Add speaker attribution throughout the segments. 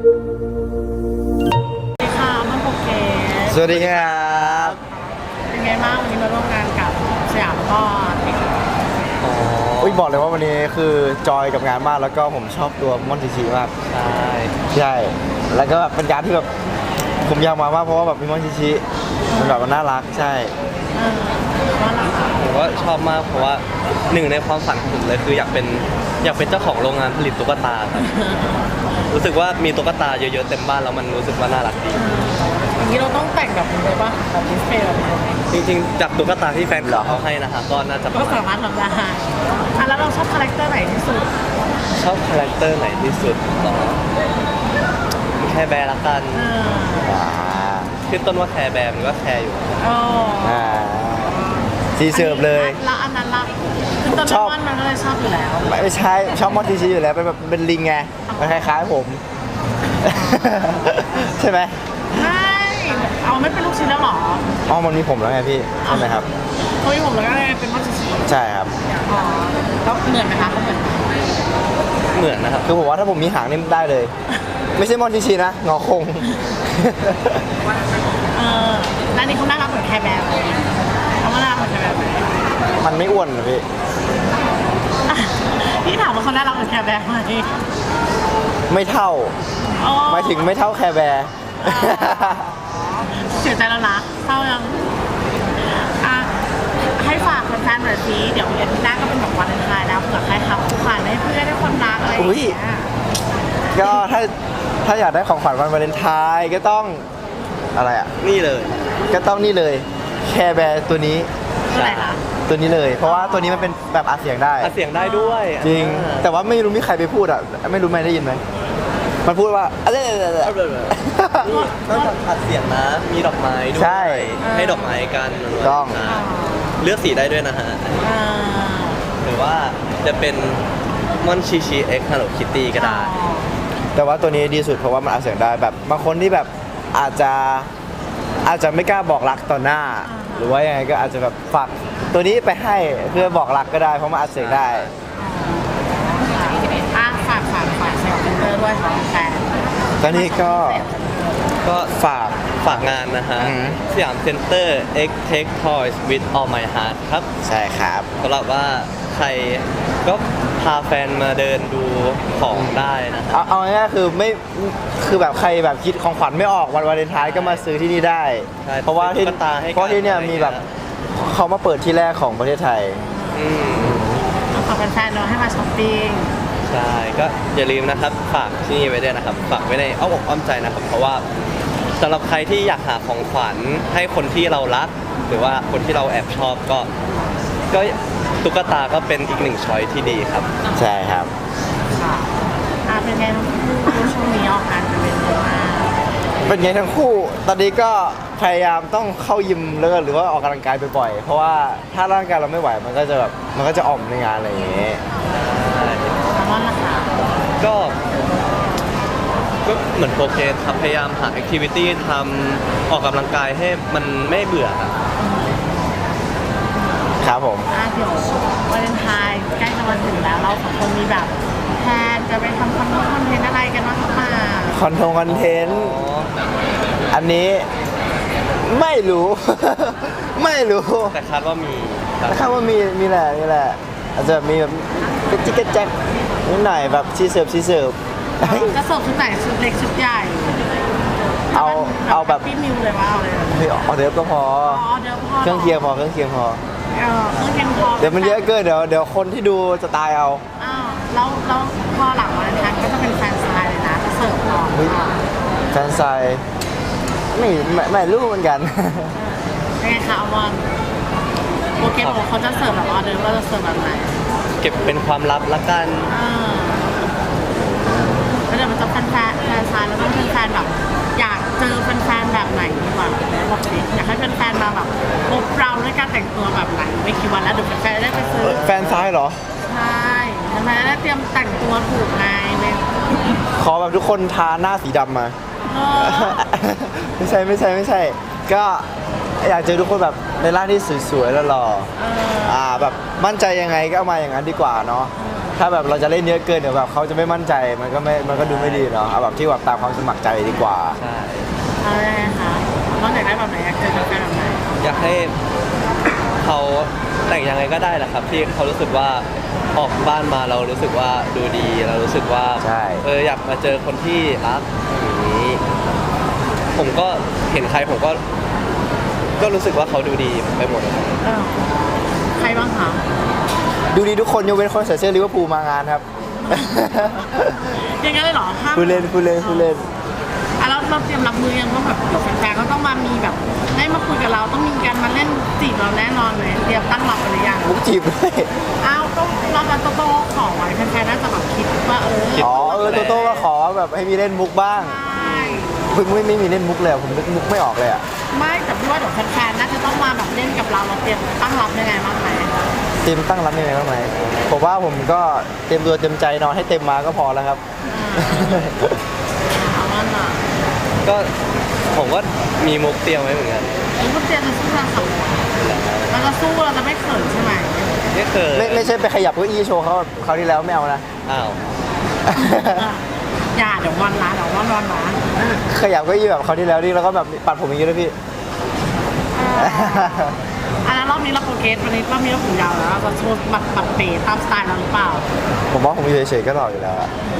Speaker 1: ค่ะมันโอเค
Speaker 2: สวัสดีครับ
Speaker 1: เป็นไงบ้างวันนี้มาร่วมงานกับสยามก็ติด
Speaker 2: อุ้ยบอกเลยว่าวันนี้คือจอยกับงานมากแล้วก็ผมชอบตัวมอนติชิมากใช่แล้วก็แบบเป็นการที่แบบผมอยากมามากเพราะว่าแบบมีมอนติชิมันแบบมันน่ารักใช่
Speaker 1: ว่าหลัง
Speaker 3: ผมก็ชอบมากเพราะว่าหนึ่งในความฝันของผมเลยคืออยากเป็นเจ้าของโรงงานผลิตตุ๊กตาครับรู้สึกว่ามีตุ๊กตาเยอะๆเต็มบ้านแล้วมันรู้สึกว่าน่ารักดี
Speaker 1: อย่างนี้เราต้องแต่งแบบนี้เลยป่ะแบบดิสเพย์แบบนี้
Speaker 3: จริงๆจากตุ๊กตาที่แฟนคลับเขาให้นะฮะก็น่าจะป
Speaker 1: ก็
Speaker 3: ระมา
Speaker 1: สา
Speaker 3: ณ
Speaker 1: มารถทำได้แล้วเราชอบคาแรคเตอร์ไหนที่สุด
Speaker 3: ชอบคาแรคเตอร์ไหนที่สุดหรอแคร์แบร์ละกัน
Speaker 2: อ่า
Speaker 3: ขึ้นต้นว่าแคร์แบร์มันก็แคร์อยู่
Speaker 1: อ๋อ
Speaker 2: อ่าซีเสิร์ฟเลย
Speaker 1: แล้วอันนั้นล่ะคือต้น
Speaker 2: ชอบ
Speaker 1: มันก็เลยชอบอยู่แล้ว
Speaker 2: ไม่ใช่ชอบมอนติชิอยู่แล้วเป็นแบบเป็นลิงไงมันคล้ายๆผม ใช่ไหม
Speaker 1: ไม่เอาไม่เป็นลูกชิ้นแล้วหรอ
Speaker 2: อ๋อมันมีผมแล้วไงพี่ใช่ไหมครับ
Speaker 1: เฮ้ยผมแล้วก็เลยเป็นมัตสึชิ
Speaker 2: ใช่ครับ
Speaker 1: อ๋อแล้วเหมือนไหมคะเขาเหมือน
Speaker 3: เหมือนนะครับ
Speaker 2: คือผมว่าถ้าผมมีหางนี่ได้เลย ไม่ใช่มอนติชินะงอคง
Speaker 1: ร้านนี้เขาน่ารักเหมือนแคร์แบร์เลยเขาน่ารักเหมือนแคร์แบร์ไหม
Speaker 2: มันไม่อ้วนนะพี่
Speaker 1: พี่ถามว่าเขาน่ารักเหมือนแคร์แบร์ไหม
Speaker 2: ไม่เท่า
Speaker 1: อ๋อ
Speaker 2: หมายถึงไม่เท่าแคร์แบร์
Speaker 1: เสียใจแล้วนะเศร้ายังอ่ะให้ฝากแฟนๆหน่อยสิเดี๋ยวอาทิตย์หน้าก็เป็นแบบวันเลนไทน์แล้วเผื่อใครทำของขวัญให้เพื่อนให้คนรักอะไรอย่างเงี้ย
Speaker 2: ก็ถ้าอยากได้ของขวัญวันวาเลนไทน์ก็ต้องอะไรอ่ะ
Speaker 3: นี่เลย
Speaker 2: ก็ต้องนี่เลยแคร์แบร์ตัวนี้
Speaker 1: คืออะไรคะ
Speaker 2: ตัวนี้เลย เพราะว่าตัวนี้มันเป็นแบบอัดเสียงได้
Speaker 3: อัดเสียงได้ด้วย
Speaker 2: จริง แต่ว่าไม่รู้มีใครไปพูดอ่ะไม่รู้ไม่ได้ยินไหมมันพูดว่าอะไร
Speaker 3: นอกจากอัดเสียงนะมีดอกไม้ด้วย
Speaker 2: ใช่
Speaker 3: ให้ดอกไม้กัน
Speaker 2: ต้อง
Speaker 3: เลือกสีได้ด้วยนะฮะ
Speaker 1: อ่า
Speaker 3: หรือว่าจะเป็นมอนชิชิเอ็กฮัลโลคิตตี้ก็ได้
Speaker 2: แต่ว่าตัวนี้ดีสุดเพราะว่ามันอัดเสียงได้แบบบางคนที่แบบอาจจะไม่กล้าบอกรักต่อหน้า หรือว่ายังไงก็อาจจะแบบฝากตัวนี้ไปให้เพื่อบอกรักก็ได้เพราะมันอัดเสียงได้
Speaker 1: ฝากเซลล์เซ็นเตอร์ด้วยของแฟน
Speaker 2: ตอนนี้ก็
Speaker 3: ก็ฝากงานนะฮะ
Speaker 2: อือหือ
Speaker 3: สยามเซ็นเตอร์ X Take Toys with All My Heart ครับ
Speaker 2: ใช่ครับ
Speaker 3: สำหรับว่าใครก็พาแฟนมาเดินดูของได้นะฮะ
Speaker 2: เอาง่ายๆคือไม่คือแบบใครแบบคิดของขวัญไม่ออกวันวาเลนไทน์ก็มาซื้อที่นี่ได้
Speaker 3: ใช่
Speaker 2: เพราะว่าที่
Speaker 3: ตุ๊กตาให้กัน
Speaker 2: เพราะที่เนี่ยมีแบบเขามาเปิดที่แรกของประเทศไทย
Speaker 3: อืม
Speaker 1: ขอแฟนๆเนาะให้มาช้อปปิ้ง
Speaker 3: ใช่ก็อย่าลืมนะครับฝากที่นี่ไว้ด้วยนะครับฝากไว้ในอ้อมอกอ้อมใจนะครับ เพราะว่าสำหรับใครที่อยากหาของขวัญให้คนที่เรารัก หรือว่าคนที่เราแอบชอบก็ตุ๊กตาก็เป็นอีกหนึ่งช้อยที่ดีครับ
Speaker 2: ใช่ครับ
Speaker 1: ค่ะเป็นไงทั้งคู่ช่วงนี้ออกงานกันเป็นเยอะมาก
Speaker 2: เป็นไงทั้งคู่ ตอนนี้ก็พยายามต้องเข้ายิมแล้วก็หรือว่าออกกำลังกายบ่อยๆเพราะว่าถ้าร่างกายเราไม่ไหวมันก็จะแบบมันก็จะอ่อมในงานอะไรอย่างเงี้ย
Speaker 1: แซลมอนล่ะคะ
Speaker 3: ก็เหมือนโปรเกรสครับพยายามหาแอคทิวิตี้ทำออกกำลังกายให้มันไม่เบื่อครับ
Speaker 2: ครับผม
Speaker 1: เดี๋ยววาเลนไทน์ใกล้จะมาถึงแล้วเราสองคนมีแบบแพลนจะไปทำคอนเทนต์อะไรกันบ้างคะ
Speaker 2: คอนเทนต์อันนี้ไม่รู้ ไม่รู้
Speaker 3: แต่คาดว่ามีครับ
Speaker 2: นะครับว่ามีแหละอาจจะมีแบบกระจิกกระแจกนิดหน่อยแบบชีเสิร์ฟ
Speaker 1: จะเสิร์ฟชุดไหนชุดเล็กชุดใหญ่
Speaker 2: เอาแบบ
Speaker 1: พี่มิวเลยว่าเอาเลย
Speaker 2: เฮ้ยออเดิร์ฟก็พอ
Speaker 1: เดี๋ยวพอ
Speaker 2: เครื่องเคียงพอ
Speaker 1: เครื่องเคียงพอ
Speaker 2: เดี๋ยวมันเยอะเกินเดี๋ยวคนที่ดูจะตายเอา
Speaker 1: แล้วพอหลังวันนั้นก็จะเป็นแฟนสไตล์เลยนะจะเสิร์ฟก่อน
Speaker 2: เฮ้ย แฟนไซน์ไม่รู้เหมือนกัน
Speaker 1: ยังไงคะอมอนโปรแกรมของเขาจะเสิร์ฟแบบออเดอร์ว่าจะเสิร์ฟแบบไหน
Speaker 3: เก็บเป็นความลับละกัน
Speaker 1: แล้วเดี๋ยวมันจะแฟนซายแล้วก็เป็นแฟนแบบอยากเจอแฟนแบบไหนดีกว่าบอกสิอยากให้แฟนมาแบบพบเราด้วยการแต่งตัวแบบไหนไม่กี่วันแล้วเดี๋ยวแฟนได้ไปซื้อ
Speaker 2: แฟนซ้ายเหรอ
Speaker 1: ใช่ทำไมได้เตรียมแต่งตัวถูกไงเว้ย
Speaker 2: ขอแบบทุกคนทาหน้าสีดำมา
Speaker 1: เออ
Speaker 2: ไม่ใช่ ก็อยากเจอทุกคนแบบในร่างที่สวยๆแล้วหล่อ
Speaker 1: เออ
Speaker 2: แบบมั่นใจยังไงก็เอามาอย่างนั้นดีกว่าเนาะถ้าแบบเราจะเล่นเยอะเกินเดี๋ยวแบบเขาจะไม่มั่นใจมันก็ดูไม่ดีเนาะเอาแบบที่แบบตามความสมัครใจดีกว่า
Speaker 3: ใช่
Speaker 1: อะไรคะน้องอยากได้แบบไหนอยากเจอแฟนแบบไหน
Speaker 3: อยากให้เขาแต่งยังไงก็ได้แหละครับ ที่เขารู้สึกว่าออกบ้านมาเรารู้สึกว่าดูดีเรารู้สึกว่า
Speaker 2: ใช่
Speaker 3: อยากมาเจอคนที่รักอย่างนี้ ผมก็เห็นใครผมก็รู้สึกว่าเขาดูดีไปหมดเลย
Speaker 1: เออใครบ้างคะ
Speaker 2: ดูดีทุกคนยกเว้นคนใส่เสื้อลิเวอร์พูลมางานครับ
Speaker 1: อย่างนั้นเลยเหรอห้าม
Speaker 2: พูดเล่น
Speaker 1: อ่ะแล้วเราเตรียมรับมือยังว่าแบบเดี๋ยวแฟนๆก็ต้องมามีแบบได้มาคุยกับเราต้องมีการมาเล่นจีบเราแน่นอนเลยเตรียมตั้งรับไปหรือยัง
Speaker 2: มุกจีบด้วย
Speaker 1: อ้าวก็เราจะโตๆขอไว้แฟนๆน่าจะแบบคิดว่า
Speaker 2: อ๋อโตก็ขอแบบให้มีเล่นมุกบ้าง
Speaker 1: ใช่
Speaker 2: เพิ่งไม่มีเล่นมุกเลยผมนึกมุกไม่ออกเลยอ่ะ
Speaker 1: ไม่แต่พี่ว่าเดี๋ยวแฟนๆน่าจะต้องมาแบบเล่นกับเราเตรียมตั้งรับยังไงบ้างไหม
Speaker 2: เตรียมตั้งรับยังไงบ้างไหมผมว่าผมก็เตรียมตัวเต็มใจนอนให้เต็มมาก็พอแล้วครับ
Speaker 1: เอาว่าน่ะ
Speaker 3: ก็ผมก็มีมุกเตรียมไว้เหมือนกัน
Speaker 1: คุณเตรียมจะสู้เราสองคนเราจะสู้เราจะไม่เขินใช่ไหม
Speaker 3: ไม่เคย
Speaker 2: ไม่ใช่ไปขยับเก้าอี้โชว์เขาคราวที่แล้วไม่เอานะ
Speaker 3: อ้าว
Speaker 1: อย่าเดี๋ยววันละเดี๋ยววันละ
Speaker 2: ขยับเก้าอี้แบบคราวที่แล้วนี่แล้วก็แบบปัดผมอย่างนี้ด้วยพี่
Speaker 1: อันนั้นรอบนี้เราโปรเกรสวันนี้รอบนี้เราผมยาวแล้วเราจะโชว์บัตรเป๋ตามสไตล์เราหรือเปล่า
Speaker 2: ผมว่าผมอยู่เฉยๆก็หล่ออยู่แล้วอะ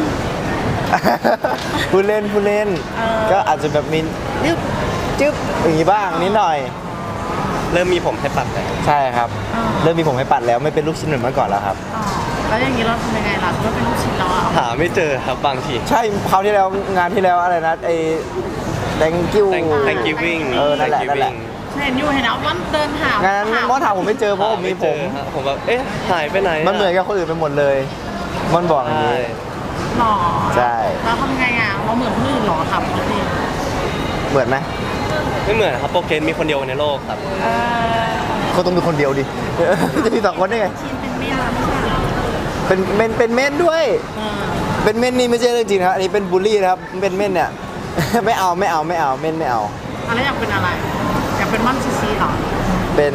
Speaker 2: พูดเล่น ก็อาจจะแบบมีจึ๊บอย่างนี้บ้างนิดหน่อย
Speaker 3: เริ่มมีผมให้ปัดแล้ว
Speaker 2: ใช่ครับ เริ่มมีผมให้ปัดแล้วไม่เป็นลูกชิ้นเหมือนเมื่อก่อนแล้วครับ
Speaker 1: แล้วอย่างนี้เราทำยังไงล่ะก็เป็นลูกชิ้นเราอ่ะ
Speaker 3: หาไม่เจอครับบางที
Speaker 2: ใช่คราวที่แล้วงานที่แล้วอะไรนะไอ้ thank you
Speaker 3: Thank you Wing
Speaker 2: นั่นแหละ
Speaker 1: เห็นนะวันเดินหาง
Speaker 2: านนั้นมอถามผมไม่เจอเพราะผมมีผม
Speaker 3: ผมแบบเอ๊ะหายไปไหน
Speaker 2: มันเหมือนกับคนอื่นไปหมดเลยมันบอกอย่าง
Speaker 3: ใช่
Speaker 2: นี้
Speaker 1: หรอ
Speaker 2: ใช่
Speaker 1: แล้วทำไงอ่ะเราเหมือนคนอื่นหรอครับพี่
Speaker 2: เหมือนไหม
Speaker 3: ไม่เหมือนครับโปรเกรสมีคนเดียวในโลกครับ
Speaker 2: เขาต้องมีคนเดียวดิ จะมีสองคนได้ไง
Speaker 1: ชิ้นเป็นเมียไม่ใช่เหรอ
Speaker 2: เป็นเม่นด้วย เป็นเม่นนี่ไม่ใช่เรื่องจริงนะครับอันนี้เป็นบูลลี่นะครับเป็นเม่นเนี่ย ไม่เอาเม่นไม่เอา
Speaker 1: อะไรอยากเป็นอะไรอยากเป็นม่อนซีซีหรอ
Speaker 2: เป็น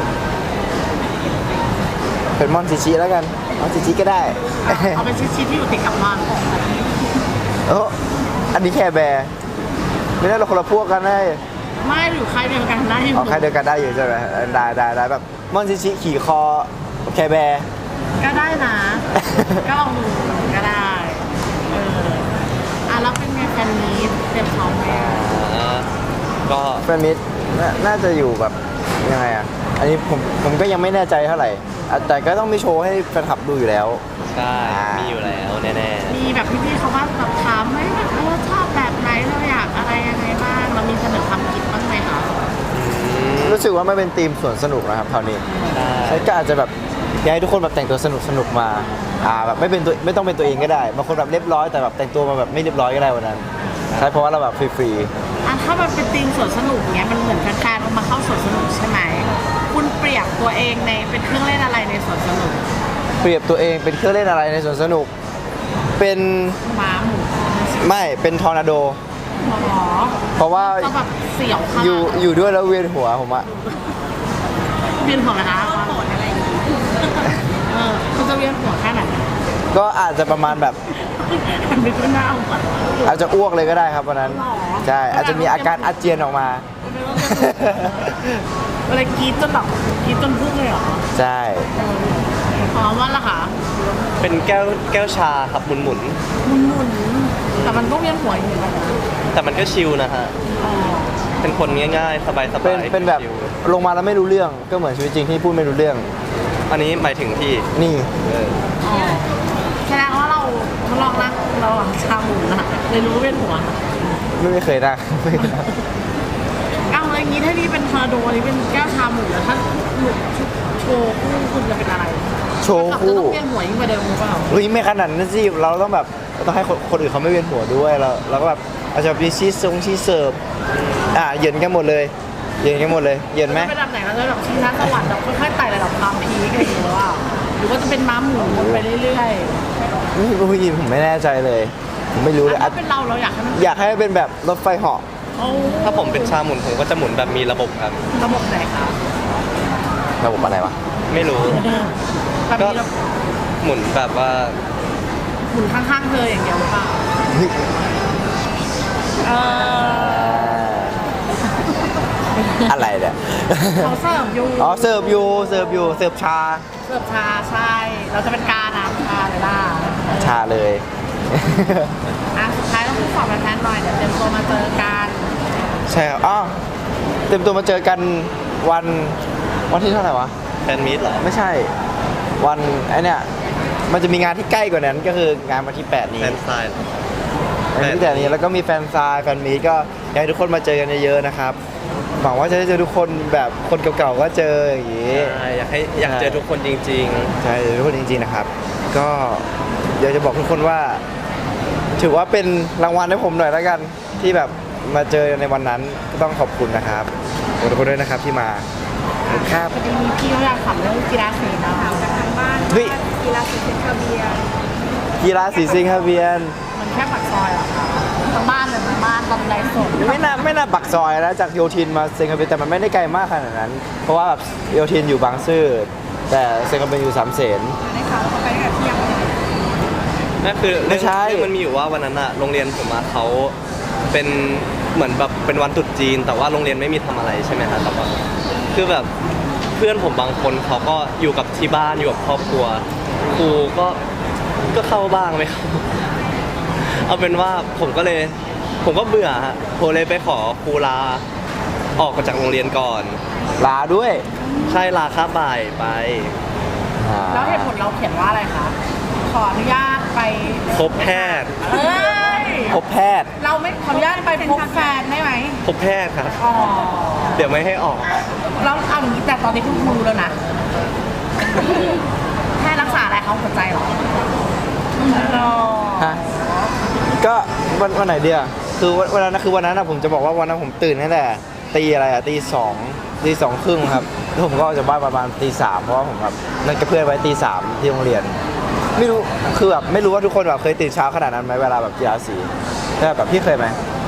Speaker 2: มอนชิชิแล้วกันมอนชิชิก็ได้
Speaker 1: เอาเป็นชิ้นที่อยู่ติดกับม่อน
Speaker 2: โอ้อันนี้แค่แบร์ไม่ได้เราคนละพวกกันได้
Speaker 1: ไม่อยู่ใครเดียวกันได้อยู่
Speaker 2: เอาใครเดียวกันได้อยู่ใช่ไหมได้แบบมอนชิชิขี่คอแคร์แบร์
Speaker 1: ก็ได้นะ ก็ลองดูก็ได้แล้วเป็นไงแฟนนี้เตรียมพร้อมไหม
Speaker 3: ก็
Speaker 2: แฟนมิตรน่าจะอยู่แบบยังไงอ่ะอันนี้ผมก็ยังไม่แน่ใจเท่าไหร่แต่ก็ต้องมีโชว์ให้แฟนคลับดูอยู่แล้ว
Speaker 3: ใช่มีอยู่แล้วแน่
Speaker 1: มีแบบพี่ๆเขาว่าแบบถามไหมแบบชอบแบบไหนเราอยากอะไรยังไงบ้างเรามีเสนอความคิดบ้างไหมคะ
Speaker 3: ๆ
Speaker 2: รู้สึกว่าไม่เป็นธีมสวนสนุกนะครับคราวนี้
Speaker 3: ใช่
Speaker 2: ใช่ก็อาจจะแบบอยากให้ทุกคนแบบแต่งตัวสนุกมาแบบไม่ต้องเป็นตัวเองก็ได้บางคนแบบเรียบร้อยแต่แบบแต่งตัวมาแบบไม่เรียบร้อยก็ได้วันนั้นใช่เพราะว่าเราแบบฟรี
Speaker 1: ถ้ามันเป็นธีมสวนสนุกเนี้ยมันเหมือนแฟนๆมาเข้าสวนสนุกใช่ไหมคุณเปรียบตัวเองในเป็นเครื่องเล่นอะไรในสวนสนุก
Speaker 2: ๆเปรียบตัวเองเป็นเครื่องเล่นอะไรในสวนสนุกเป็น
Speaker 1: ม้าหมู
Speaker 2: ไม่เป็นทอร์นาโด
Speaker 1: หรอ
Speaker 2: เพราะว่า
Speaker 1: ก็แบบเสี่ยวขนาด
Speaker 2: อยู่ด้วยแล้วเวียนหัวผมอะ
Speaker 1: เวียนหัวนะคะโกรธอะไรอย่างงี้คุณจะเวียนหัวแค่ไหน
Speaker 2: ก็อาจจะประมาณแบบ
Speaker 1: มันไม่ขึ้นหน้าหัว
Speaker 2: อาจจะอ้วกเลยก็ได้ครับวันนั้น
Speaker 1: หรอ
Speaker 2: ใช่อาจจะมีอาการอาเจียนออกมา
Speaker 1: อะไรกรีดจนแบบกรีดจนพุ่งเลยเหรอ
Speaker 2: ใช่
Speaker 1: ว่าล่ะคะ
Speaker 3: เป็นแก้วชาครับหมุน
Speaker 1: หมุนแต่มันก็เวียนหัวอยู่เหมือนกันนะ
Speaker 3: ๆแต่มันก็ชิลนะฮะ
Speaker 1: อ๋อ
Speaker 3: เป็นคนง่ายๆ สบายๆ
Speaker 2: เป็นแบบ
Speaker 3: ชิล
Speaker 2: ลงมาแล้วไม่รู้เรื่องก็เหมือนชีวิตจริงที่พูดไม่รู้เรื่อง
Speaker 3: อันนี้หมายถึงที่
Speaker 2: นี่
Speaker 1: อ๋อแสดงว่าเราลองนั่งเราชาหมูนะเลยรู้ว่าเวียนหัว
Speaker 2: ไม่เคยนั่ง ไม่เคยนั่ง
Speaker 1: อ้าวอย่างนี้ถ้านี่เป็นทอร์นาโดอันนี้เป็นแก้วชาหมูแล้วถ้าหลุดโชว์คู่คุณจะเป็นอะไร
Speaker 2: โชว์
Speaker 1: จะ
Speaker 2: คู่
Speaker 1: ต้องเวียนหัวยิ่งกว่าเดิมหรือเปล่า
Speaker 2: เฮ้ยไม่ขนาดนั้นสิเราต้องแบบต้องให้คนอื่นเขาไม่เวียนหัวด้วยเราก็แบบอาจจะมีชีสเสิร์ฟเหยินกันหมดเลยเหยินไหม
Speaker 1: จะเป็นแบบไหนเราจะแบบชิงช้าสวรรค์แบบค่อยๆไต่ระดับความพีคอะไรอย่างเงี้ยว่าหรือว่าจะเป็นม้าหมุนไปเรื่อยๆ
Speaker 2: นี่ผู้หญิงผมไม่แน่ใจเลยผมไม่รู้เลย
Speaker 1: ถ้าเป็นเราอยากให้มัน
Speaker 2: อยากให้เป็นแบบรถไฟเหาะ
Speaker 1: โอ้
Speaker 3: ถ้าผมเป็นชาหมุนผมก็จะหมุนแบบมีระบบครับ
Speaker 1: ระบบไหนคะ
Speaker 2: ระบบอะไรวะ
Speaker 3: ไม่รู้
Speaker 1: แบบ
Speaker 3: ก็
Speaker 1: มีระบบ
Speaker 3: หมุนแบบว่า
Speaker 1: หมุนข้างๆเธออย่างเดียวหรือเปล่า
Speaker 2: เฮ้ย
Speaker 1: เออ
Speaker 2: อะไรเนี่ย
Speaker 1: เขาเสิร์ฟอยู่
Speaker 2: อ๋อเสิร์ฟอยู่เสิร์ฟอยู่เสิร์ฟชา
Speaker 1: เสิร์ฟชาใช่ เราจะเป็นการน้ำชาเลยล่ะ
Speaker 2: ชาเลย
Speaker 1: อ่ะสุดท้ายต้องพูดฝากแฟนๆหน่อยเดี๋ยวเตรียมตัวมาเจอกัน
Speaker 2: ใช่ครับอ๋อเต็มตัวมาเจอกันวันที่เท่าไหร่วะ
Speaker 3: แฟนมีตเหรอ
Speaker 2: ไม่ใช่ วันไอเนี่ยมันจะมีงานที่ใกล้กว่านั้นก็คืองานวันที่ 8 นี้
Speaker 3: แฟนไซน์
Speaker 2: วันที่8นี้แล้วก็มีแฟนซายแฟนมีตก็อยากให้ทุกคนมาเจอกันเยอะๆนะครับหวังว่าจะได้เจอทุกคนแบบคนเก่าๆก็เจออย่างงี้
Speaker 3: ใช่อยากเจอทุกคนจริง
Speaker 2: ใช่ทุกคนจริงๆนะครับ ก็อยากจะบอกทุกคนว่า ถือว่าเป็นรางวัลให้ผมหน่อยแล้วกัน ที่แบบมาเจอในวันนั้นก็ต้องขอบคุณนะครับขอบคุณทุกคนด้วยนะครับที่มาขอบคุณครับ
Speaker 1: พอดีมีพี่เขาอยากถามเรื่องกีฬาสีเนาะถามจากทางบ้าน
Speaker 2: เฮ้ย
Speaker 1: กีฬาสีเซนคาเบีย
Speaker 2: กีฬาสีสิงคโปร์
Speaker 1: มันแค่ปากซอยเหรอคะทางบ้านเลยทางบ้านตอนใดสด
Speaker 2: ไม่น่าปักซอยนะจากโยธินมาสิงคโปร์แต่มันไม่ได้ไกลมากขนาดนั้น เพราะว่าแบบโยธินอยู่บางซื่อแต่สิงคโปร์อยู่สามเสน
Speaker 1: ได้ข่าวว่าเขาไปกับเที่ยง
Speaker 3: ๆนั่นคือ
Speaker 2: ไม่ใช่
Speaker 3: เรื่องมันมีอยู่ว่าวันนั้นอะโรงเรียนผมอะเขาเป็นเหมือนแบบเป็นวันตรุษจีน แต่ว่าโรงเรียนไม่มีทำอะไรใช่ไหมครับแต่ว่าคือแบบเพื่อนผมบางคนเขาก็อยู่กับที่บ้านอยู่กับครอบครัวครูก็เข้าบ้างไม่เข้า เอาเป็นว่าผมก็เบื่อฮะผมเลยไปขอครูลาออกมาจากโรงเรียนก่อน
Speaker 2: ลาด้วย
Speaker 3: ใช่ลาคาบบ่ายไป
Speaker 1: แล้วเหตุผลเราเขียนว่าอะไรคะ ขออนุญาตไป
Speaker 3: พบแพทย์
Speaker 1: เอ้ย
Speaker 2: พบแพทย์
Speaker 1: เราไม่ขออนุญาตไปพบแฟนได้ไหม
Speaker 3: พบแพทย์ครับ
Speaker 1: อ๋อ
Speaker 3: เดี๋ยวไม่ให้ออก
Speaker 1: เราเอาอย่างนี้แต่ตอนนี้คุณครูแล้วนะแค่รักษาอะไรเขาหัวใจเหรออ๋อ
Speaker 2: ฮะก็วันไหนเดียวคือวันนั้นคือวันนั้นนะผมจะบอกว่าวันนั้นผมตื่นตั้งแต่ตีอะไรอะตีสองครึ่งครับแล้วผมก็ออกจากบ้านประมาณตี 3เพราะว่าผมแบบนัดกับเพื่อนไว้ตี 3ที่โรงเรียน ไม่รู้คือแบบไม่รู้ว่าทุกคนแบบเคยตื่นเช้าขนาดนั้นไหมเวลาแบบกีฬาสีแต่แบบพี่เคยไหม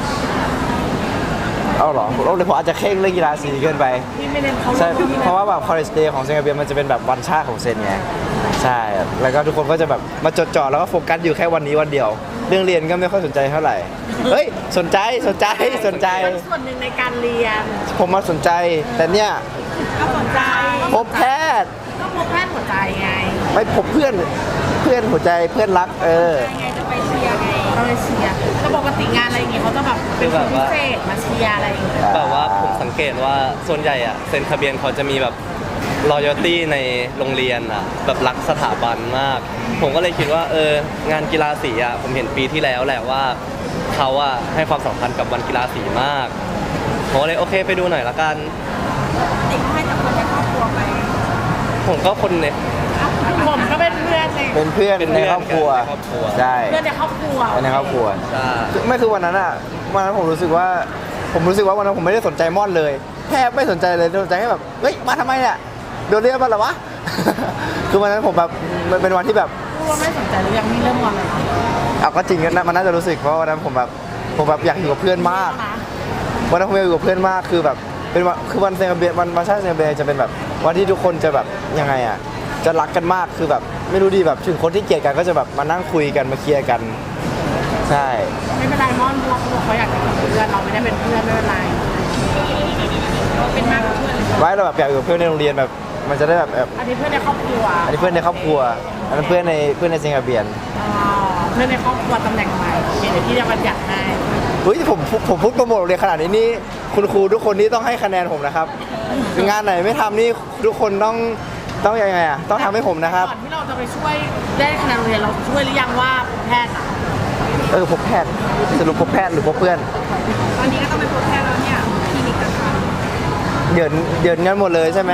Speaker 2: เอาเหรอผมอาจจะเคร่งเรื่องกีฬาสีเกินไป
Speaker 1: พี่ไม่เล่นเขา
Speaker 2: ใช่เพราะว่าแบบ college day ของสิงคโปร์มันจะเป็นแบบวันชาติของเซนไงใช่แล้วก็ทุกคนก็จะแบบมาจดจ่อแล้วก็โฟกัสอยู่แค่วันนี้วันเดียว เรื่องเรียนก็ไม่ค่อยสนใจเท่าไหร่ เฮ้ยสนใจ
Speaker 1: เป็นส่วนหนึ่งในการเรียน
Speaker 2: ผมมาสนใจ แต่เนี่ย
Speaker 1: ก็สนใจ
Speaker 2: พบแพทย์
Speaker 1: ก็พบแพทย์หัวใจไง
Speaker 2: ไม่พบเพื่อนหัวใจเพื่อนรัก
Speaker 1: ไงจะไปเชียร์ไงเราเลยเชียร์แต่ปกติงานอะไรอย่างงี้เขาจะแบบเป็นคนพิเศษมาเชียร์อะไรอย่างเงี้ย
Speaker 3: แบบว่าผมสังเกตว่าส่วนใหญ่อะเซ็นทะเบียนเขาจะมีแบบ loyalty ในโรงเรียนอะแบบรักสถาบันมาก ผมก็เลยคิดว่างานกีฬาสีอะผมเห็นปีที่แล้วแหละว่าเขาอะให้ความสำคัญกับวันกีฬาสีมากผมก็เลยโอเคไปดูหน่อยละกัน
Speaker 1: เด็กให้จากคนในครอบครัวไป
Speaker 3: ผมก็คนใน
Speaker 1: ผมก็เป็นเพื่อนใน
Speaker 2: เป็นเพื่อน
Speaker 3: เป็น
Speaker 2: ใน
Speaker 3: เพื่อน
Speaker 2: ครอบครัว
Speaker 3: ในครอบครัว
Speaker 2: ใช่
Speaker 1: เพื่อนในครอบครัว
Speaker 2: ในครอบครัว
Speaker 3: ใช่
Speaker 2: ไม่คือวันนั้นผมรู้สึกว่าวันนั้นผมไม่ได้สนใจม่อนเลยแทบไม่สนใจเลยสนใจแค่แบบเฮ้ยมาทำไมเนี่ยโดนเรียกมาเหรอวะ คือวันนั้นผมแบบมันเป็นวันที่แบบ
Speaker 1: พูดว่าไม่สนใจหรือยังมีเริ่มงอนเลยนะ
Speaker 2: เอาก็จริงนะมันน่าจะรู้สึกเพราะวันนั้นผมแบบอยากอยู่กับเพื่อนมากวันนั้นผมอยากอยู่กับเพื่อนมากคือแบบเป็นวันคือวันเซนเบียวันชาติเซนเบียจะเป็นแบบวันที่ทุกคนจะแบบยังไงอ่ะจะรักกันมากคือแบบไม่รู้ดีแบบถึงคนที่เกลียดกันก็จะแบบมานั่งคุยกันมาเคลียร์กันใช่
Speaker 1: ไม่เป็นไรม่อนเพราะว่าเขาบอกเขาอยากเป็นเพื่อนเราไม่ได้เป็นเพื่อนไม่เป็นไรเราเป็นมากกว่าเพื่อน
Speaker 2: ไว้เราแบบอยากอยู่กับเพื่อนในโรงเรียนแบบมันจะได้แบบ
Speaker 1: อันนี้เพื่อนในครอบครัว
Speaker 2: อันนี้เพื่อนในครอบครัวอันนั้นเพื่อนในสิงคโปร์
Speaker 1: อ๋อเพื่อนในครอบครัวตำแหน่งใหม่เดี๋ยวที่จะบัญญัติให้
Speaker 2: เฮ้ยผมพูดโปรโมทโรงเรียนขนาดนี้นี่คุณครูทุกคนนี่ต้องให้คะแนนผมนะครับ งานไหนไม่ทำนี่ทุกคนต้องยังไงอ่ะต้องทำให้ผมนะครับ
Speaker 1: ก่อนที่เราจะไปช่วยได้คะแนนโรงเรียนเราช่วยหรือยังว่าแพทย์อะ
Speaker 2: พบแพทย์สรุปพบแพทย์หรือพบเพื่อน
Speaker 1: ตอนนี้ก็ต้องไปพบแพทย์แล้วเนี่ยคลินิกกันค่ะ
Speaker 2: เดือนกันหมดเลยใช่ไหม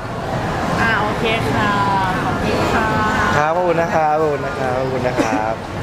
Speaker 1: โอเคค่ะขอบคุณค่ะ
Speaker 2: ครับขอบคุณนะครับขอบคุณนะครับ